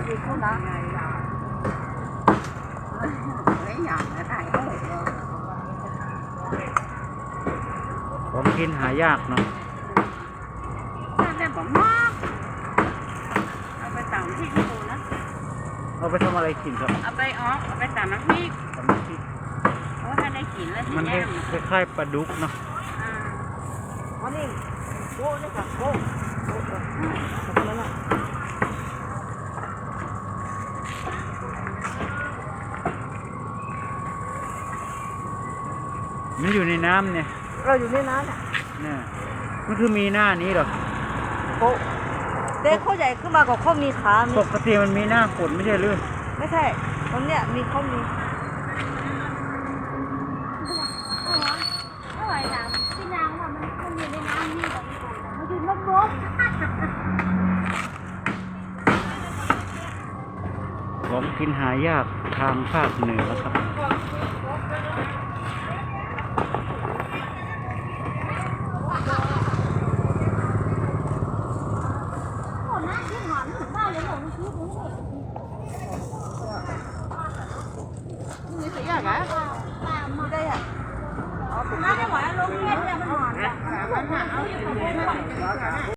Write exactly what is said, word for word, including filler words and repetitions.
gì cũng đó lấy nhà đểถ่ายรูปของกินหายากเนาะถ้าได้ผมมากเอาไปตำพริกดูนะเอาไปทำอะไรกินครับเอาไปอ๋อเอาไปตำน้ำพริกทำน้ำพริกโอ้ถ้าได้กินแล้วสิมันแย่มคล้ายๆปลาดุกเนาะอ่าอันนี้โก้นี่ค่ะโก้โก้ขอบคุณแล้วล่ะมันอยู่ในน้ำเนี่ยเราอยู่ในน้ำเนี่ยเนี่ยมันคือมีหน้านี้เหรอโก้เด็กเขาใหญ่ขึ้นมากับเขามีขามีปกติมันมีหน้าฝนไม่ใช่หรือไม่ใช่ตรงเนี้ยมีเขามีอร่อยนะพี่นางว่ามันมันอยู่ในน้ำนี่แบบมันอยู่นกนกของกินหายากทางภาคเหนือครับโอ้น่าที่หอมถึงบ้านเลยหนูชื่อผมเลยนี่สิยากอ่ะไม่ได้อ่ะน่าจะหวานลงเล่นเลยมันหอมอ่ะมันหาเอาอยู่ตรงนี้